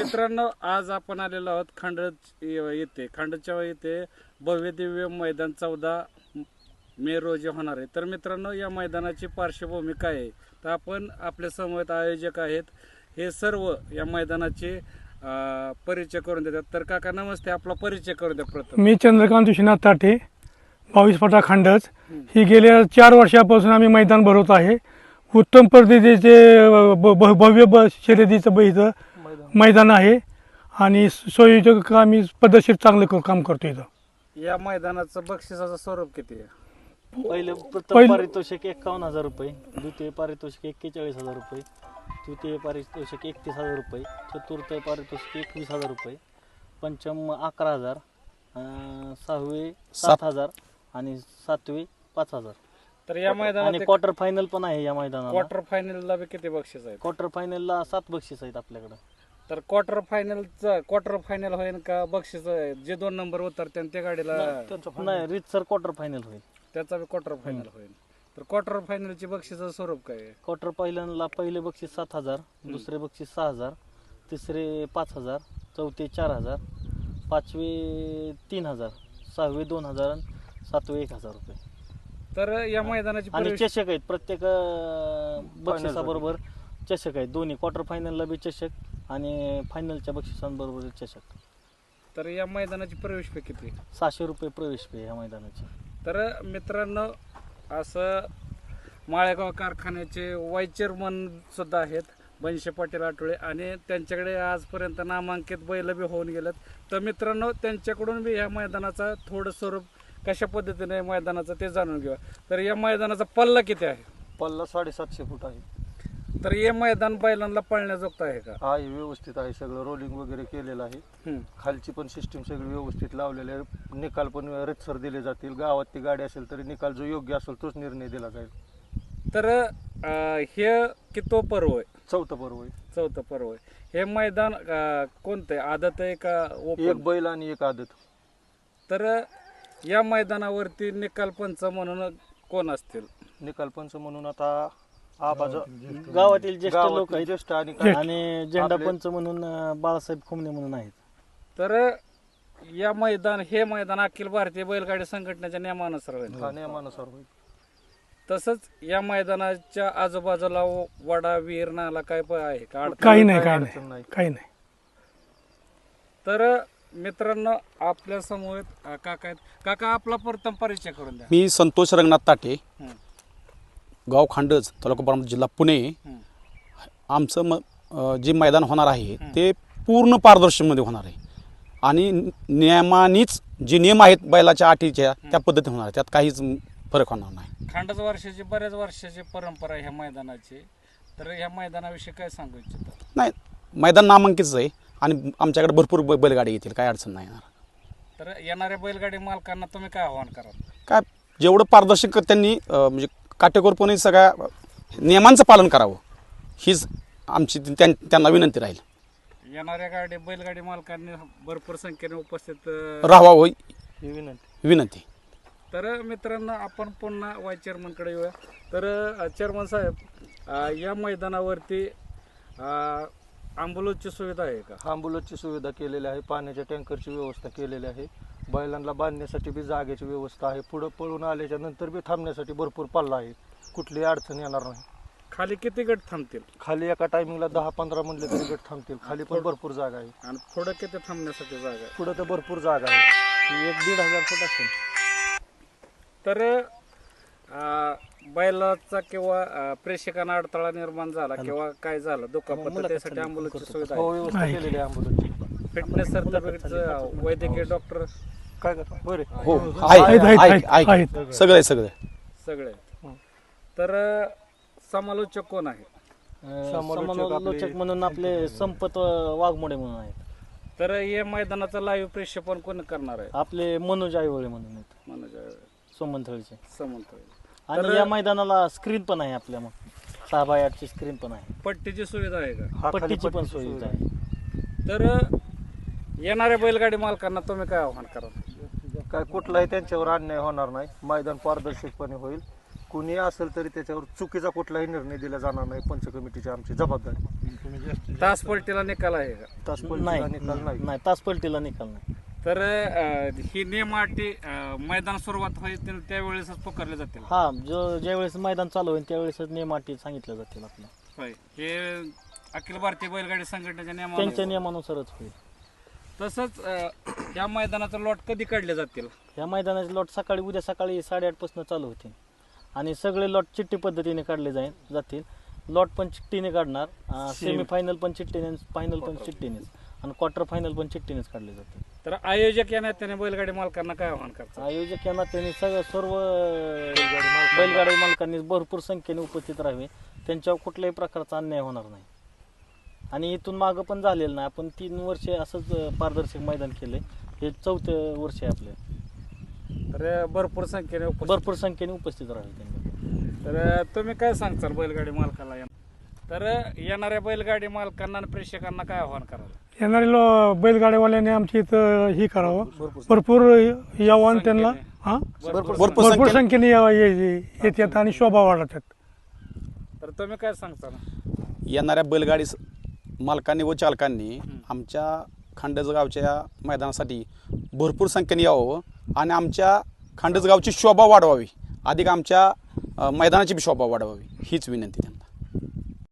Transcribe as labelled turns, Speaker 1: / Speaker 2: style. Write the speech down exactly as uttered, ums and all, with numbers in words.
Speaker 1: मित्रांनो, आज आपण आलेलो आहोत खांडच येथे खांडच्या येथे भव्य दिव्य मैदान चौदा मे रोजी होणार आहे. तर मित्रांनो, या मैदानाची पार्श्वभूमी काय आहे तर आपण आपल्या समवेत आयोजक आहेत, हे सर्व या मैदानाचे परिचय करून देतात. तर काका नमस्ते, आपला परिचय करून द्या प्रथम.
Speaker 2: मी चंद्रकांत विश्वनाथ ताठे, बावीस फटा खांडच. ही गेल्या चार वर्षापासून आम्ही मैदान भरवत आहे. उत्तम पद्धतीचे भव्य ब शर्यतीचं इथं मैदान आहे आणि सोयीचं आम्ही पद्धतशीर चांगलं काम करतो. इथं
Speaker 1: या मैदानाचं बक्षिसाचं स्वरूप किती आहे?
Speaker 3: पहिले प्रथम पारितोषिक एक्कावन्न हजार रुपये, द्वितीय पारितोषिक एक्केचाळीस हजार रुपये, तृतीय पारितोषिक एकतीस हजार रुपये, चतुर्थ पारितोषिक एकवीस हजार रुपये, पंचम अकरा हजार, सहावे सात हजार आणि सातवे पाच हजार.
Speaker 1: तर या मैदानात
Speaker 3: आणि क्वार्टर फायनल पण आहे या मैदानाला.
Speaker 1: क्वार्टर फायनलला बी किती बक्षीस आहे?
Speaker 3: क्वार्टर फायनलला सात बक्षीस आहेत आपल्याकडे.
Speaker 1: तर क्वार्टर फायनलचं क्वार्टर फायनल होईल का बक्षीस जे दोन नंबर उतरते त्या गाडीला?
Speaker 3: नाही, रीतसर क्वार्टर फायनल होईल,
Speaker 1: त्याचा बी क्वार्टर फायनल होईल. तर क्वार्टर फायनलची बक्षीचं स्वरूप काय आहे?
Speaker 3: क्वार्टर फायनलला पहिले बक्षीस सात हजार, दुसरे बक्षीस सहा हजार, तिसरे पाच हजार, चौथे चार हजार, पाचवे तीन हजार, सहावे दोन हजार आणि सातवे एक हजार रुपये.
Speaker 1: तर या मैदानाची
Speaker 3: आणि चषक आहेत, प्रत्येक बक्षिसाबरोबर चषक आहेत दोन्ही. क्वार्टर फायनलला बी चषक आणि फायनलच्या बक्षिसांबरोबर चषक.
Speaker 1: तर या मैदानाची प्रवेश फी किती?
Speaker 3: सहाशे रुपये प्रवेश फी या मैदानाची.
Speaker 1: तर मित्रांनो, असं माळेगाव कारखान्याचे वाईस चेअरमन सुद्धा आहेत बनशे पाटील आठवळे, आणि त्यांच्याकडे आजपर्यंत नामांकित बैल बी होऊन गेलेत. तर मित्रांनो, त्यांच्याकडून बी ह्या मैदानाचा थोडं स्वरूप कशा पद्धतीने मैदानाचं ते जाणून घेऊया. तर या मैदानाचा पल्ला किती आहे?
Speaker 4: पल्ला साडेसातशे फूट आहे.
Speaker 1: तर हे मैदान बैलांना पळण्याजोगतं आहे का?
Speaker 4: आहे, व्यवस्थित आहे, सगळं रोलिंग वगैरे केलेलं आहे. खालची पण सिस्टीम सगळी व्यवस्थित लावलेली आहे. निकाल पण रीतसर दिले जातील. गावात ती गाडी असेल तरी निकाल जो योग्य असेल तोच निर्णय दिला जाईल.
Speaker 1: तर हे कितो पर्व आहे?
Speaker 4: चौथं पर्व आहे.
Speaker 1: चौथं पर्व आहे. हे मैदान कोणतं आहे? आदत आहे का ओपन?
Speaker 4: एक बैल आणि एक आदत.
Speaker 1: तर या मैदानावरती निकाल पंच म्हणून कोण असतील?
Speaker 4: निकाल पंच म्हणून आता आबाज
Speaker 3: गावातील ज्येष्ठ लोक आहेत
Speaker 4: ज्येष्ठ आणि
Speaker 3: आणि झेंडा पंच म्हणून बाळासाहेब खुमणे म्हणून आहेत.
Speaker 1: तर या मैदान हे मैदान अखिल भारतीय बैलगाडी संघटनेच्या नियमानुसार होईल.
Speaker 4: हा, नियमानुसार होईल.
Speaker 1: तसंच या मैदानाच्या आजूबाजूला वडा विहीर नाला काय आहे का?
Speaker 2: काही नाही, काही नाही, काही नाही.
Speaker 1: तर मित्रांनो, आपल्या समोर काका आहेत. काका, आपला प्रथम परिचय करून द्या.
Speaker 5: मी संतोष रंगनाथ ताठे, गाव खांडज, तालुका बारामती, जिल्हा पुणे. आमचं म जे मैदान होणार आहे ते पूर्ण पारदर्शकमध्ये होणार आहे आणि नियमानीच जे नियम आहेत बैलाच्या अटीच्या त्या पद्धतीने होणार आहे. त्यात काहीच फरक होणार नाही.
Speaker 1: खांडज वर्षाची बऱ्याच वर्षाची परंपरा आहे ह्या मैदानाची. तर ह्या मैदानाविषयी काय सांगू इच्छिता?
Speaker 5: नाही, मैदान नामांकितच आहे आणि आमच्याकडे भरपूर बै बैलगाडी येतील, काय अडचण नाही येणार.
Speaker 1: तर येणाऱ्या बैलगाडी मालकांना तुम्ही काय आव्हान कराल?
Speaker 5: काय जेवढं पारदर्शक त्यांनी म्हणजे काटेकोरपणे सगळ्या नियमांचं पालन करावं हीच आमची त्यां त्यांना विनंती राहील.
Speaker 1: येणाऱ्या गाडी बैलगाडी मालकांनी भरपूर संख्येने उपस्थित
Speaker 5: राहावं
Speaker 4: ही विनंती
Speaker 5: विनंती.
Speaker 1: तर मित्रांनो, आपण पुन्हा वाईस चेअरमनकडे येऊया. तर चेअरमन साहेब, या मैदानावरती ॲम्ब्युलन्सची सुविधा आहे का?
Speaker 4: ॲम्ब्युलन्सची सुविधा केलेली आहे. पाण्याच्या टँकरची व्यवस्था केलेली आहे. बैलांना बांधण्यासाठी बी जागेची व्यवस्था आहे. पुढं पळून आल्याच्या नंतर बी थांबण्यासाठी भरपूर पल्ला आहे. कुठलीही अडचण येणार नाही.
Speaker 1: खाली किती गट थांबतील?
Speaker 4: खाली एका टायमिंगला दहा पंधरा म्हणले तरी गट थांबतील. खाली पण भरपूर जागा आहे.
Speaker 1: आणि पुढं किती थांबण्यासाठी जागा आहे?
Speaker 4: पुढं तर भरपूर जागा आहे.
Speaker 3: एक दीड हजार फूट असेल.
Speaker 1: तर बैलाचा किंवा प्रेक्षकांना अडथळा निर्माण झाला किंवा काय झालं दुखापत, त्यासाठी ॲम्ब्युलन्सची सुविधा
Speaker 4: हो,
Speaker 1: आहे.
Speaker 4: व्यवस्था केलेली आहे ॲम्ब्युलन्सची.
Speaker 1: फिटनेस सर्टिफिकेटचं वैद्यकीय डॉक्टर
Speaker 4: काय करतो बरे
Speaker 5: हो,
Speaker 2: आहेत, आहेत, आहेत, आहेत.
Speaker 5: आहे सगळं आहे सगळं
Speaker 1: सगळे. तर समालोचक कोण आहे?
Speaker 3: समालोचक म्हणून आपले संपत वाघमोडे म्हणून आहेत.
Speaker 1: तर या मैदानाचं लाईव्ह प्रक्षेपण कोण करणार आहे?
Speaker 3: आपले मनोज आईवळे म्हणून आहेत,
Speaker 1: मनोज
Speaker 3: सोमंथळचे.
Speaker 1: समंत.
Speaker 3: आणि या मैदानाला स्क्रीन पण आहे आपल्या, मग सहा बाय आठची स्क्रीन पण आहे.
Speaker 1: पट्टीची सुविधा आहे का?
Speaker 3: पट्टीची पण सुविधा आहे.
Speaker 1: तर येणाऱ्या बैलगाडी मालकांना तुम्ही काय आव्हान कराल?
Speaker 4: काय कुठलाही त्यांच्यावर अन्याय होणार नाही. मैदान पारदर्शकपणे होईल. कुणी असेल तरी त्याच्यावर चुकीचा कुठलाही निर्णय दिला जाणार नाही. पंच कमिटीची आमची जबाबदारी.
Speaker 1: तास पलटीला निकाल आहे का?
Speaker 4: तास
Speaker 3: नाही
Speaker 4: पलटीला निकाल नाही.
Speaker 3: नाही तास पलटीला निकाल नाही.
Speaker 1: तर अं, ही नियम अटी अं, मैदान सुरुवात होईल त्यावेळेसच पुकारले जातील.
Speaker 3: हा जो ज्यावेळेस मैदान चालू होईल त्यावेळेसच नियम अटी सांगितल्या जातील आपल्या.
Speaker 1: होय, हे अखिल भारतीय बैलगाडी संघटनेच्या
Speaker 3: त्यांच्या
Speaker 1: नियमानुसार.
Speaker 3: नियमानुसारच होईल.
Speaker 1: तसंच अं, या मैदानाचं लॉट कधी काढले जातील?
Speaker 3: ह्या मैदानाचे लॉट सकाळी उद्या सकाळी साडेआठ पासून चालू होतील आणि सगळे लॉट चिठ्ठी पद्धतीने काढले जाईल जातील. लॉट पण चिठ्ठीने काढणार, सेमी फायनल पण चिठ्ठीने, फायनल पण चिठ्ठीनेच आणि क्वार्टर फायनल पण चिठ्ठीनेच काढले जातील.
Speaker 1: तर आयोजक या नात्याने बैलगाडी मालकांना काय आव्हान करतात?
Speaker 3: आयोजक यांना त्यांनी सगळं सर्व बैलगाडी मालकांनी भरपूर संख्येने उपस्थित राहावे. त्यांच्यावर कुठल्याही प्रकारचा अन्याय होणार नाही आणि इथून मागं पण झालेलं नाही. आपण तीन वर्षे असंच पारदर्शक मैदान केले, हे चौथं वर्ष आहे आपलं.
Speaker 1: तर भरपूर संख्येने उपस्थित-
Speaker 3: भरपूर संख्येने उपस्थित राहावे त्यांनी.
Speaker 1: तर तुम्ही काय सांगताल बैलगाडी मालकाला? या- तर येणाऱ्या बैलगाडी मालकांना आणि प्रेक्षकांना काय आव्हान कराल?
Speaker 2: येणारे लो बैलगाड्यावाल्याने आमची इथं हे करावं, भरपूर यावं आणि त्यांना हा
Speaker 1: भरपूर
Speaker 5: भरपूर
Speaker 2: भरपूर
Speaker 5: संख्येने
Speaker 2: संख्येने यावं- ये- ये- येतात आणि शोभा वाढतात.
Speaker 1: तर तुम्ही काय सांगताल?
Speaker 5: येणाऱ्या बैलगाडी स- मालकांनी व चालकांनी आमच्या खांडज गावच्या मैदानासाठी भरपूर संख्येने यावं आणि आमच्या खांडज गावची शोभा वाढवावी, अधिक आमच्या अ, मैदानाची बी शोभा वाढवावी हीच विनंती त्यांना.